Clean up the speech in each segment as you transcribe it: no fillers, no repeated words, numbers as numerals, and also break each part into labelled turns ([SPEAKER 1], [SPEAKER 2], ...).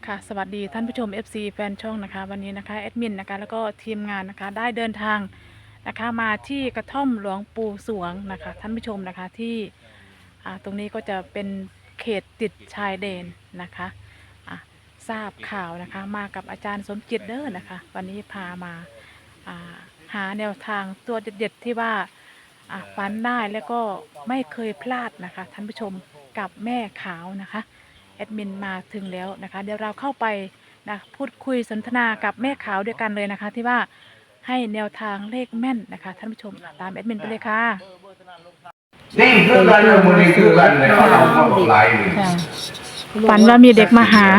[SPEAKER 1] ค่ะสวัสดีท่านผู้ชม FC แฟนช่องนะคะวันนี้นะคะแอดมินนะคะแล้วก็ทีมงานนะคะได้เดินทางนะคะมาที่กระท่อมหลวงปู่สวงนะคะท่านผู้ชมนะคะที่ตรงนี้ก็จะเป็นเขตติดชายแดนนะคะทราบข่าวนะคะมากับอาจารย์สมจิตเด้อนะคะวันนี้พามาหาแนวทางตัวเด็ดๆที่ว่าฝันได้แล้วก็ไม่เคยพลาดนะคะท่านผู้ชมกับแม่ขาวนะคะแอดมินมาถึงแล้วนะคะเดี๋ยวเราเข้าไปนะพูดคุยสนทนากับแม่ขาวด้วยกันเลยนะคะที่ว่าให้แนวทางเลขแม่นนะคะท่านผู้ชมตามแอดมินไปเลยค่ะ
[SPEAKER 2] นี่คือการเมืองนี่คือการในเราเข้าหลายเลย
[SPEAKER 1] ฝันว่ามีเด็กมาหา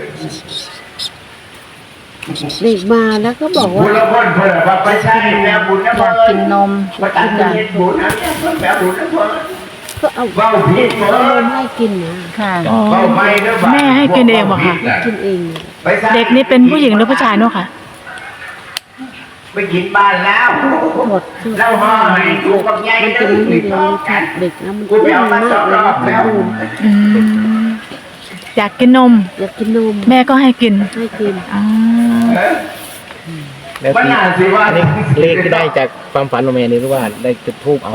[SPEAKER 3] เด็กมาแล้วก็บอกว่า
[SPEAKER 2] บุญละคนเพื่อนไปใช้แม่บุญนะพ่อ
[SPEAKER 3] กินนม
[SPEAKER 2] มาตัดกันบุญนะแม่บุญนะพ่อ
[SPEAKER 3] ก็เอา
[SPEAKER 2] เบ้าผิด
[SPEAKER 3] เอานมให้กินนะ
[SPEAKER 1] ค่ะแม่ให้กินเองบอกค่ะ
[SPEAKER 3] กินเอง
[SPEAKER 1] เด็กนี่เป็นผู้หญิงหรือผู้ชายเนาะค่ะ
[SPEAKER 2] ไปกินบ้านแล้ว
[SPEAKER 3] หมด
[SPEAKER 2] แล้วห่อให้ถูกกับใหญ่
[SPEAKER 3] มันเป็นเด็กนะมัน
[SPEAKER 2] ไม่มากเลย
[SPEAKER 3] แล้ว
[SPEAKER 1] อยากกินนมแม่ก็ให้กิน
[SPEAKER 4] แล้วที่อันนี้เลขที่ได้จากความฝันของแม่นี่หรือว่าได้จุดธูปเอา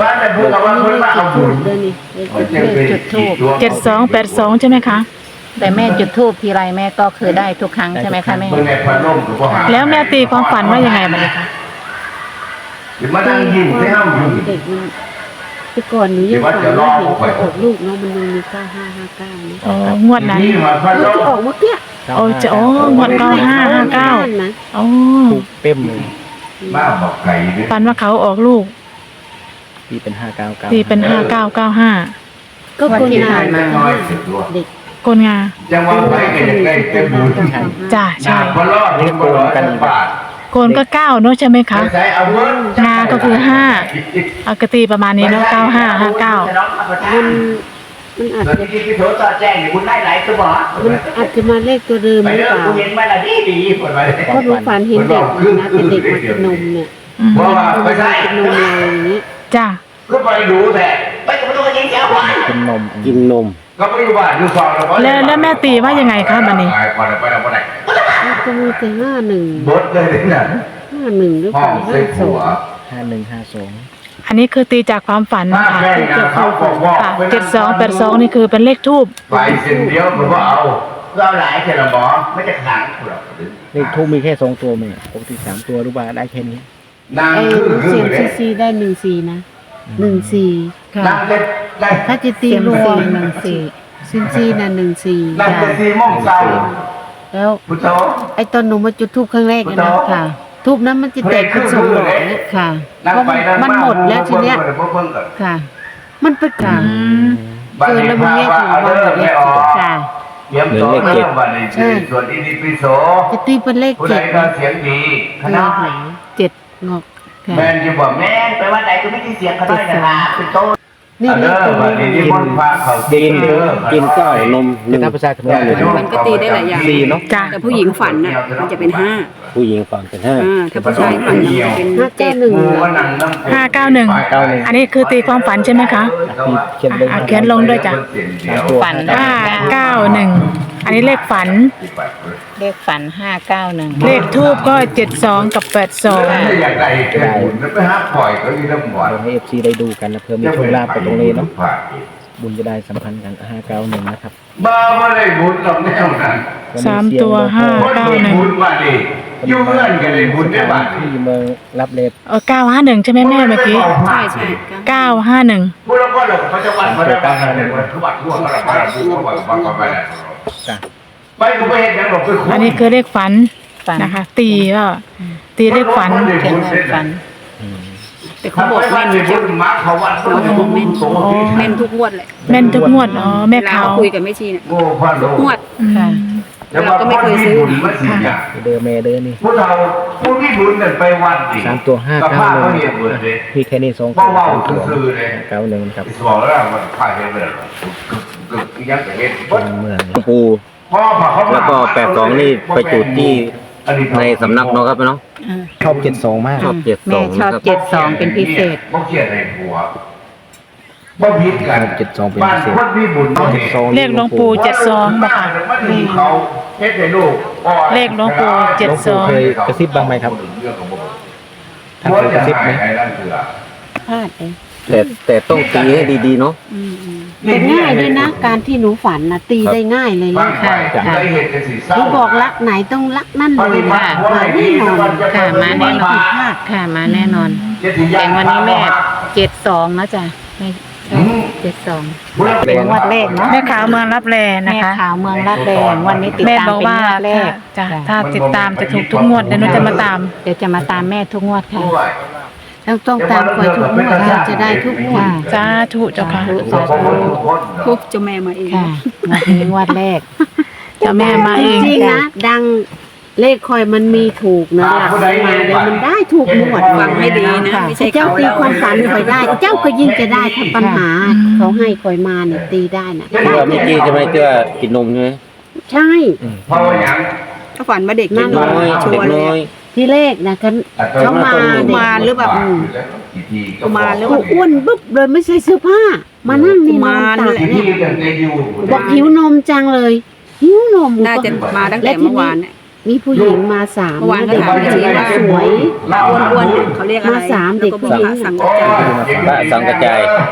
[SPEAKER 3] จุดธูป
[SPEAKER 1] 7282ใช่ไหมคะ
[SPEAKER 5] แต่แม่จุดธูปทีไรแม่ก็เคยได้ทุกครั้งใช่ไหมคะแม่
[SPEAKER 1] แล้วแม่ตีความฝันว่ายังไงบ้างคะ
[SPEAKER 2] มานั่งยิ้มให้ห้ามยิ้ม
[SPEAKER 3] เด็กมันแต่ก่อนหนูยังฝันว่าเห็นเขาออกลูกเนาะมันมี9559นะ
[SPEAKER 1] งวดนั้น
[SPEAKER 3] จะออกเมื่อกี้
[SPEAKER 1] งวด9559
[SPEAKER 3] นะ
[SPEAKER 4] ถูกเต็มเลย
[SPEAKER 2] บ้าบอกไก่
[SPEAKER 1] ฝันว่าเขาออกลูก
[SPEAKER 4] ตีเป็น599
[SPEAKER 1] ตีเป็น5995
[SPEAKER 3] ก็คนงาน
[SPEAKER 1] เด็กคนงา
[SPEAKER 2] จังหวะไปกันได้เต็มบุญ
[SPEAKER 1] จ้าใช่
[SPEAKER 4] นี่โกนกัน
[SPEAKER 1] โกนก็9เนาะใช่ไหมคะงาก็คือ5กตีประมาณนี้เนาะ9559
[SPEAKER 3] มันอาจจะ
[SPEAKER 2] ที่โถตาแจ้งคุณได้หลายตัว
[SPEAKER 3] มันอาจจะมาเลขตัวเดิมหรือเปล่าเพราะหนูฝันเห็นเด็กนะเป็นเด็กมากินนมเนี่ย
[SPEAKER 2] เพราะว่าไม่ใช่
[SPEAKER 3] กินนมอะไรอย่างนี้
[SPEAKER 1] จ้า
[SPEAKER 2] ก็ไปดูแต่ไปกับตัวยิงแก้วไป
[SPEAKER 4] กินนม
[SPEAKER 2] ก็ไม่รู้ว่าดูซอง
[SPEAKER 1] แล้วแม่ตีว่ายังไงคะบัดนี้
[SPEAKER 3] ก็มีแต่51
[SPEAKER 2] บดเลยเนี่ย
[SPEAKER 3] 51หรือเปล่า
[SPEAKER 4] 5152
[SPEAKER 1] อันนี้คือตีจากความฝันค่ะ7282นี่คือเป็นเลขทูบ
[SPEAKER 2] ไปเส้นเดียวมันก็เอาหลายแค่ละหมอไม่จะขังหรอก
[SPEAKER 4] เลขทูบมีแค่2ตัวมั้ยปกติ3ตัวหรือว่าได้แค่นี้
[SPEAKER 3] เสียงซีได้14นะ14ค่ะถ้าจะตีรวม14ซินซีน่ะ14
[SPEAKER 2] นั่นจะ4 โมงเช้า
[SPEAKER 3] แล้วไอ้ตอนหนูมาจุดธูปครั้งแรกนะค่ะทูบนั้นมันจะแตกเป็น2ดอกนี่ค่ะเพราะมันหมดแล้วทีเนี้ยค่ะมันเป็นค่ะแล้วมันแยกออกมาหมดเลยค่ะ
[SPEAKER 2] เยี่ยมโตเลข7ใช่ส่วนอินิปิโส
[SPEAKER 3] จะตีเป็นเลข7
[SPEAKER 2] เสียงดี
[SPEAKER 3] ขนาด7งอก
[SPEAKER 2] แม่จะบอกแม่ไปว่าไหนก็ไม่ได้เสียงเขาได้นะเป็นโตนี่เลข
[SPEAKER 4] กินก็นมถ้าภาษาเขมร
[SPEAKER 5] มันก็ตีได้หลายอย่าง
[SPEAKER 4] เนาะ
[SPEAKER 5] แต่ผู้หญิงฝันน่ะมันจะเป็น5
[SPEAKER 4] ผู้หญิงฝันเป็น5
[SPEAKER 5] ถ้าผู้ชายฝันเป็น
[SPEAKER 1] 591อันนี้คือตีความฝันใช่ไหมคะเขียนลงด้วยจ้ะ
[SPEAKER 5] ฝัน
[SPEAKER 1] 591อันนี้เลขฝัน
[SPEAKER 5] 591
[SPEAKER 1] เลขทูบก็72กับ82
[SPEAKER 2] อยากได้บุญไปหาปล่อยก็มีน้ำหวาน
[SPEAKER 4] ให้ FC ได้ดูกันนะเพื่อมีโชคลาภไปตรงนี้เนาะบุญจะได้สัมพันธ์กัน591นะครับ
[SPEAKER 2] บ้าไม่ได้บุญหรอกแนวนั้น
[SPEAKER 1] 3ตัว591
[SPEAKER 2] บุญมาดิอยู่เพื่อนกันเลยบุญได้บ้าง
[SPEAKER 4] ที่เมืองรับเลข
[SPEAKER 1] 951ใช่ไหมแม่เมื่อกี้
[SPEAKER 5] ใช่
[SPEAKER 1] 951
[SPEAKER 2] พูดแล้วก็เขาจะวัดเขาจะวัดเขาวัดทั่วเขาวัดไปแล้วไปกูไปเห็นยังหรอกไป
[SPEAKER 1] อันนี้คือเลขฝันนะคะตีเลขฝัน
[SPEAKER 5] แต่เขาบอกแม่นเยอะเขาบอกแม่นทุกงวดเลย
[SPEAKER 1] แม่นทุกงวดแม่เขา
[SPEAKER 5] คุยกับแม่ชีเนี่ยทุกงวดเราก็ไม่เคยซื้อ
[SPEAKER 4] เดิมนี่
[SPEAKER 2] พวกเราผู้ที่บุญเนี่ยไปวันดิ
[SPEAKER 4] 3ตัว591พี่แค่นี้2ตัว91ครับ
[SPEAKER 2] บอกแล้วมันผ่านไปเลยยังเห็น
[SPEAKER 4] เมืองปูแล้วก็82นี่ไปจุดที่ในสำนักเนาะครับเนาะชอบ72มาก
[SPEAKER 5] ชอบ72แม่ชอบ72เป็นพิเศษ
[SPEAKER 2] บ่เขียนในหัวบ่ผิดกัน
[SPEAKER 4] 72เป็นพิเศษ
[SPEAKER 1] เลขหลวงปู่72บ่ค่ะ
[SPEAKER 2] เขาเฮ็ดให้ลูก
[SPEAKER 1] เลขหลวงปู่
[SPEAKER 4] หลวงปู่เคยกระซิบบ้างไหมครับท่านเคยกระซิบไหม
[SPEAKER 3] พลาดเลย
[SPEAKER 4] แต่ต้องตีให้ดีๆเนาะ
[SPEAKER 3] แต่ง่ายด้วยนะ การที่หนูฝันนะตีได้ง่ายเลยนะค่ะหนูบอกรักไหนต้องรักนั่นเลยค่ะมาแน่นอน
[SPEAKER 5] ค่ะมาแน่นอน
[SPEAKER 3] พลาด
[SPEAKER 5] ค่ะมาแน่นอนแต่วันนี้แม่72นะจ๊ะแม่72งวดแรกเนาะ
[SPEAKER 1] แม่ขาวเมืองรับแลนะ
[SPEAKER 5] แม่
[SPEAKER 1] คะ
[SPEAKER 5] ขาวเมืองรับแรงวันนี้ติด
[SPEAKER 1] แม่
[SPEAKER 5] ตาม
[SPEAKER 1] บอก
[SPEAKER 5] เป็น
[SPEAKER 1] ว่าง
[SPEAKER 5] วดแรก
[SPEAKER 1] จ้ะถ้าติดตามจะถูกทุกงวดเดี๋ยวหนูจะมาตาม
[SPEAKER 5] เดี๋ยวจะมาตามแม่ทุกงวดค่ะ
[SPEAKER 3] แล้วต้องตามคอยทุกงวดเราจะได้ทุกงวด
[SPEAKER 1] จ้าถูกเจ้าค่ะ
[SPEAKER 5] ทุกเจ้าแม่มาเองค่ะงวดแรก
[SPEAKER 1] เจ้าแม่มาเอง
[SPEAKER 3] จริงๆนะดังเลขคอยมันมีถูกนะหลักมาเดี๋ยวมันได้ถูกหมด
[SPEAKER 5] ฟังให้ดีนะไม่ใช่
[SPEAKER 3] เจ้าตีความฝันคอยได้ เจ้าก็ยิ่งจะได้ถ้าปัญหาเขาให้คอยมาเนี่ยตีได้นะ
[SPEAKER 4] เชื่อเมื่อกี้ใช่ไหมเชื่อกินนมใช่ไหม
[SPEAKER 3] ใช่
[SPEAKER 2] เพราะว่าอย่าง
[SPEAKER 5] ถ้าฝันว่าเด็ก
[SPEAKER 4] เด็กน้อย
[SPEAKER 5] ชั
[SPEAKER 4] เด็
[SPEAKER 5] ว
[SPEAKER 4] ก
[SPEAKER 5] ร์เล
[SPEAKER 4] น้อย
[SPEAKER 5] ย
[SPEAKER 3] ที่เลขนะเขามา
[SPEAKER 5] กุมารหรือแบบ กุมารหรือ
[SPEAKER 3] กูอ้วนปุ๊บเลยไม่ใส่เสื้อผ้า มานั่งนี่นอนตาก
[SPEAKER 2] ที่
[SPEAKER 3] เนี่ย
[SPEAKER 2] ยังได้อยู่
[SPEAKER 3] บอกหิวนมจังเลยหิวนม
[SPEAKER 5] น่าจะมาตั้งแต่เมื่อวานเนี่ย
[SPEAKER 3] มีผู้หญิงมาสาม
[SPEAKER 5] เมื่อวานก็ถาม
[SPEAKER 3] เด็ก
[SPEAKER 5] ชี้ว่า
[SPEAKER 3] สวย
[SPEAKER 5] อ้วนๆเขาเรียกอะไร
[SPEAKER 3] มาสามเด็ก
[SPEAKER 5] แล้วก็บอกว่าสังกัดใจ
[SPEAKER 4] พระสังกระจาย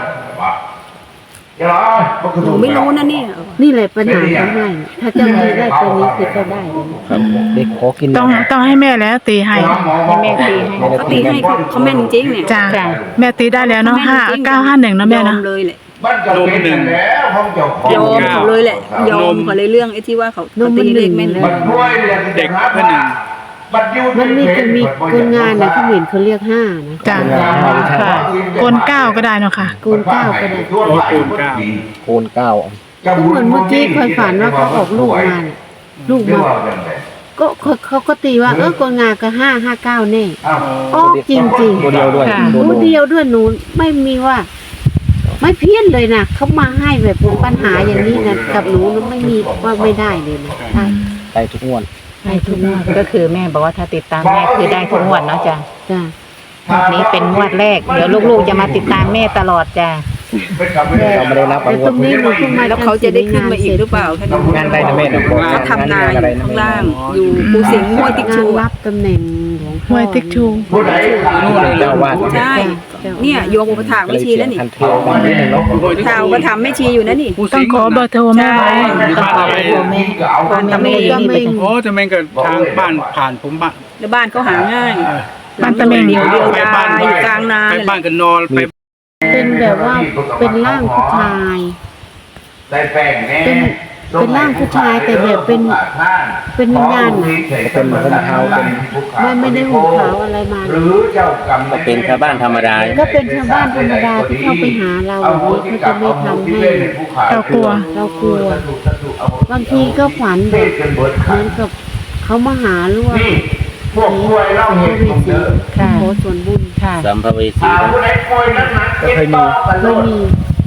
[SPEAKER 5] หนูไม่รู้นะเนี่ย
[SPEAKER 3] นี่แหละปัญหาเขาให้ถ้าเจ้ามีได้ตัวนี้คือเจ้าได้เลย
[SPEAKER 4] ครับเด็กขอกินน
[SPEAKER 1] ต้องให้แม่แล้วตีให้
[SPEAKER 5] ให้แม่ตีให้เขาตีให้เขาแม่นจริงเนี่ย
[SPEAKER 1] จ้าแม่ตีได้แล้วเนาะ5951นะแม่
[SPEAKER 5] ยอ
[SPEAKER 1] เนาะ
[SPEAKER 5] มเลยแหละ
[SPEAKER 2] นมหนึ่งแล้วห้องเจ้าของ
[SPEAKER 5] ยอมเขาเลยแหละยอมเขาเลยเรื่องไอ้ที่ว่าเขาตีเลขแม่น
[SPEAKER 2] มันด้วยเด็กเพื่อนหนึ่ง
[SPEAKER 3] มันมีจะมีคนงานนะเขาเห็นเขาเรียกห้านะ
[SPEAKER 1] จ้าค่ะกล9ก็ได้เนาะค่ะ
[SPEAKER 3] กูนเก้าก็ได้
[SPEAKER 4] โคนเก้า
[SPEAKER 3] ก็เหมือนเมื่อกี้เคยฝันว่าเขาออกลูกมาน่ะลูกมาก็เขาก็ตีว่าคนงานก็559แน่ออกจริง
[SPEAKER 4] ตัวเดียวด้วย
[SPEAKER 3] ๆรู้เดียวด้วยหนูไม่มีว่า ไม่เพี้ยนเลยนะเขามาให้แบบปัญหาอย่างนี้นะกับหนูไม่มีว่าไม่ได้เลยนะใช่
[SPEAKER 4] ได้ทุกงวด
[SPEAKER 3] ให้ทุกงวด
[SPEAKER 5] ก็คือแม่บอกว่าถ้าติดตามแม่คือได้ทุกงวดเนาะจ้ะ
[SPEAKER 3] จ้ะ
[SPEAKER 5] นี้เป็นงวดแรกเดี๋ยวลูกๆจะมาติดตามแม่ตลอดจ้ะ
[SPEAKER 4] เราไม่ได้รับ
[SPEAKER 3] แต่
[SPEAKER 4] ง
[SPEAKER 3] ต
[SPEAKER 4] ว
[SPEAKER 3] ร
[SPEAKER 4] ด
[SPEAKER 3] งนี้หนูเพิ่งมา
[SPEAKER 5] แล้วเขาจะได้ขึ้นมาอีกหรือเปล่าแค่นั้น
[SPEAKER 4] งานได้นะแม่นะ
[SPEAKER 5] เขาทำนาอยู่ข้างล่าง อยู่ปูสิงห์ห้วยติ๊กชู
[SPEAKER 3] รับตำแหน่งหลวงพ่อ
[SPEAKER 1] ห้วยติ๊กชู
[SPEAKER 2] ผู้ใด
[SPEAKER 4] นู่นเลยเจ้าวาด
[SPEAKER 5] ใช่เนี่ยโยมอุปถากไม่ชีแล้วนี่
[SPEAKER 4] ทันเทียวกันนิดนึงเนาะ
[SPEAKER 5] ข่าวก็ทำไม่ชีอยู่นะนี่
[SPEAKER 1] ต้องขอเบอร์โทรแม่ไว้
[SPEAKER 5] ต้องขอไปโทรแม่บ้านตะเมง
[SPEAKER 3] ก็
[SPEAKER 5] นี่
[SPEAKER 3] ไม่
[SPEAKER 5] ไป
[SPEAKER 6] โอ้จะแม่งกับทางบ้านผ่านผมบ้าน
[SPEAKER 5] แล้วบ้านเขาหาง่าย
[SPEAKER 1] บ้านตะเมง
[SPEAKER 5] เดียวดายอยู่กลางนา
[SPEAKER 6] ไป
[SPEAKER 5] เลย
[SPEAKER 6] บ้านกันนอนไป
[SPEAKER 3] เป็นแบบว่าเป็นร่างผู้ชาย
[SPEAKER 2] ได้แป้งแน่
[SPEAKER 3] เป็นร่างผู้ชายแต่แบบเป็นวิญญาณน่ะ
[SPEAKER 4] เป็นคนเท้าเป็น
[SPEAKER 3] ไม่ได้ห่มขาวอะไรมา
[SPEAKER 2] หรือเจ้ากรรม
[SPEAKER 4] ก็เป็นชาวบ้านธรรมดา
[SPEAKER 3] ก็เป็นชาวบ้านธรรมดาที่เข้าไปหาเราแบบนี้เขาจะไม่ทำให้
[SPEAKER 1] เรากลัว
[SPEAKER 3] เรากลัว บางทีก็ฝันแบบเหมือนกับเขามาหาหรือว่า
[SPEAKER 2] นี่พวกป่วยเล่า
[SPEAKER 3] พ
[SPEAKER 2] เห
[SPEAKER 3] ระ
[SPEAKER 2] ตุ
[SPEAKER 3] วิ
[SPEAKER 2] ของ
[SPEAKER 3] สี
[SPEAKER 2] เด้อ
[SPEAKER 5] ค่ะ
[SPEAKER 3] ขอส่วนบุญ
[SPEAKER 5] ค่ะ
[SPEAKER 4] สัมภเวสี
[SPEAKER 2] ผู้ใดป่วยนักหนักเจ็บต่อกันโล
[SPEAKER 3] ไม่
[SPEAKER 2] ด
[SPEAKER 3] มี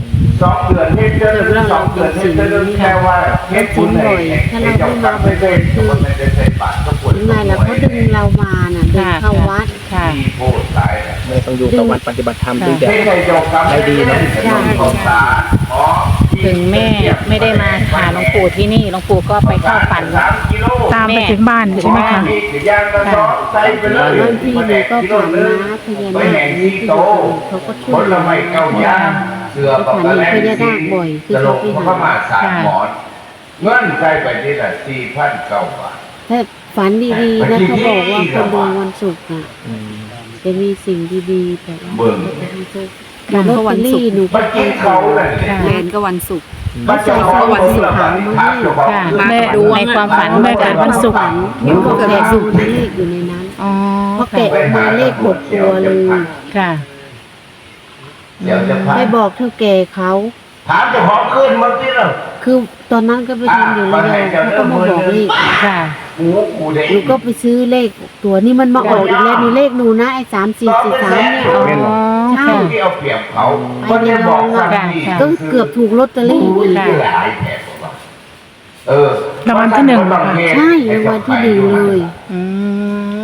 [SPEAKER 2] 2 เดือนเฮ็ดเจอ2 เดือนเฮ็ดเจอแค่ว่าเฮ็ดบุญให้ให้เจ้ากรรมไม่ได้คนไม่ได้ใส่บาตรก็ปวด
[SPEAKER 3] ยังไงล่ะเขาดึงเรามาน่ะเดินเข้าวัด
[SPEAKER 5] ค่ะ
[SPEAKER 2] มีโทษตายนะ
[SPEAKER 4] ไม่ต้องอยู่กับวัดปฏิบัติธรรมด้วยแบบ
[SPEAKER 2] ไม่ได้เจ้ากรรมได้ดีนะของตาอ๋อ
[SPEAKER 5] ถึงแม่ไม่ได้มาหาหลวงปู่ที่นี่หลวงปู่ก็ไปเข้าฝัน
[SPEAKER 2] 3 กิโล
[SPEAKER 1] ตามไปถึงบ้านใช่ไหมคะ
[SPEAKER 2] ยางกระสอบใส่ไปเลย
[SPEAKER 3] บางทีหนูก็ฝันนะพญา
[SPEAKER 2] ไป
[SPEAKER 3] นา
[SPEAKER 2] แห่
[SPEAKER 3] ค
[SPEAKER 2] ง
[SPEAKER 3] นี่
[SPEAKER 2] ที่
[SPEAKER 3] ที่
[SPEAKER 2] โต
[SPEAKER 3] เขาก็ช่
[SPEAKER 2] ผ
[SPEAKER 3] วย
[SPEAKER 2] ลไม้เก้าย่างเสือปอกกระแลงสลบเข้ามาสารหมอนเงินใส่ไปที่ละ4,900 บาท
[SPEAKER 3] ถ้าฝันดีๆนะเขาบอกว่าคนดวงวันศุกร์น่ะจะมีสิ่งดีๆแต่ว่า
[SPEAKER 2] เบิ่ง
[SPEAKER 3] แต่ลอตเตอรี่หนู
[SPEAKER 2] มันกินเขาเลย
[SPEAKER 5] แทนก็วันศุกร์
[SPEAKER 2] มันจะขอวันศุกร์
[SPEAKER 5] ค่ะ
[SPEAKER 1] แม่
[SPEAKER 5] ดูในความฝัน
[SPEAKER 1] แม่เกิดวันศุกร์
[SPEAKER 3] หนูก็แกะดูเลขอยู่ในนั้น
[SPEAKER 5] อ๋อ
[SPEAKER 3] พอแกะออกมาเลข6 ตัวเลย
[SPEAKER 5] ค่ะ
[SPEAKER 2] เดี๋ยวจะพา
[SPEAKER 3] ไปบอกเท่าแก่เขา
[SPEAKER 2] ถามเจ้าของขึ้นมาสิล่ะ
[SPEAKER 3] คือตอนนั้นก็ไปทำอยู่ระยองเขาก็มาบอกเลข
[SPEAKER 5] ค่ะ
[SPEAKER 2] กูเด็ก
[SPEAKER 3] หนูก็ไปซื้อเลขตัวนี้มันมาออกอีกแล้วนี่เลขหนูนะไอ้3443เนี่ย
[SPEAKER 5] อ๋อ
[SPEAKER 3] ใช่
[SPEAKER 5] ค่ะ
[SPEAKER 2] ที่เอาเปรียบเขามันจะบอกว่านี่
[SPEAKER 3] ก็เกือบถูกลอตเตอรี่
[SPEAKER 2] รู้
[SPEAKER 3] อีก
[SPEAKER 2] ที่หลายแผลเออ
[SPEAKER 1] รางวัลที่หนึ่งเหรอคะ
[SPEAKER 3] ใช่รางวัลที่1เลย
[SPEAKER 5] อืม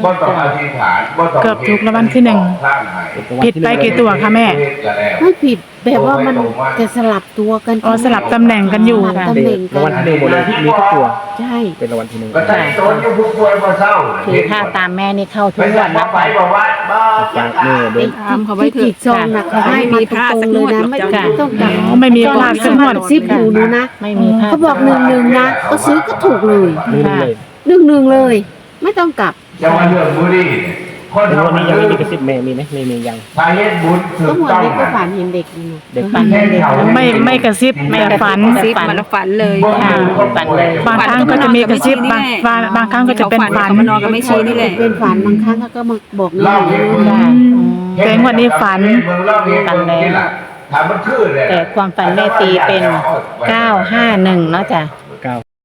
[SPEAKER 2] บ่ต้องอธิษฐานบ่ต้อง
[SPEAKER 1] เกือบถูกรางวัลที่หนึ่ง ผิดไปกี่ตัวคะแม่
[SPEAKER 3] ไม่ผิดแบบว่ามันจะสลับตัวกัน
[SPEAKER 1] อ๋อสลับตำแหน่งกันอยู่
[SPEAKER 3] สลับตำแหน่งกั
[SPEAKER 4] รางวัล
[SPEAKER 3] น
[SPEAKER 4] ที่หนึ่งหมดเลยที่มีทุกตัว
[SPEAKER 3] ใช่
[SPEAKER 4] เป็นรางวัลที่หนึ่ง
[SPEAKER 2] ก็ได้ตนอยู่ผู้ป่วยบ่เศร้า
[SPEAKER 5] คือถ้าตามแม่นี่เข้าทุ
[SPEAKER 2] ไป
[SPEAKER 5] ก
[SPEAKER 2] สั่
[SPEAKER 5] วั
[SPEAKER 2] ง
[SPEAKER 5] น
[SPEAKER 2] มา
[SPEAKER 5] นะ
[SPEAKER 2] ไปบอกว่าบ่
[SPEAKER 4] ฝากแม่เดิน
[SPEAKER 5] ตามเขาไว้
[SPEAKER 3] ที่
[SPEAKER 5] เถอะ
[SPEAKER 3] ผิดซองนะเขาให้มาตรงๆเลยนะไม่ต้องกลับ
[SPEAKER 1] อ๋อไม่มีพลาดสักงวด
[SPEAKER 3] ซิบหูหนูนะ
[SPEAKER 5] ไม่มีพลาด
[SPEAKER 3] เขาบอก1-1นะก็ซื้อก็ถูกเลย
[SPEAKER 4] นี่เลย
[SPEAKER 3] 1-1เลย ไม่ต้องกลับ
[SPEAKER 2] จะว่าเรื่องบุรีคน
[SPEAKER 4] แต่
[SPEAKER 2] ทำ
[SPEAKER 4] วันนี้ยังไม่มีกระซิบแม่มีไหมไม่มียัง
[SPEAKER 2] ถ้าเฮ็ดบุญถู
[SPEAKER 3] ก็
[SPEAKER 2] ก
[SPEAKER 3] เหมือน
[SPEAKER 2] ต้อง
[SPEAKER 3] เด็กก็ฝันเห็นเด็กนี่นะ
[SPEAKER 4] เด็ก
[SPEAKER 5] ฝันเห็นเด็ก
[SPEAKER 1] ไม่กระซิบแต่ฝัน
[SPEAKER 5] ซิบมันฝันเลย
[SPEAKER 2] ค่ะ
[SPEAKER 5] ฝันเลย
[SPEAKER 1] บางครั้งก็จะมีกระซิบางครั้งก็จะเป็นฝัน
[SPEAKER 5] เขามานอนกับแม่ชีนี่แหละ
[SPEAKER 3] เป็นฝันบางครั้งก็มาบอกนี่
[SPEAKER 2] เล่าให้
[SPEAKER 3] นะ
[SPEAKER 2] เบิ่ง
[SPEAKER 5] ค่ะ
[SPEAKER 1] แต่งวันนี้ฝัน
[SPEAKER 2] ฝันแล้วถามมันคือเลย
[SPEAKER 5] แต่ความฝันแม่ตีเป็น 951เนาะจ้ะ
[SPEAKER 4] 9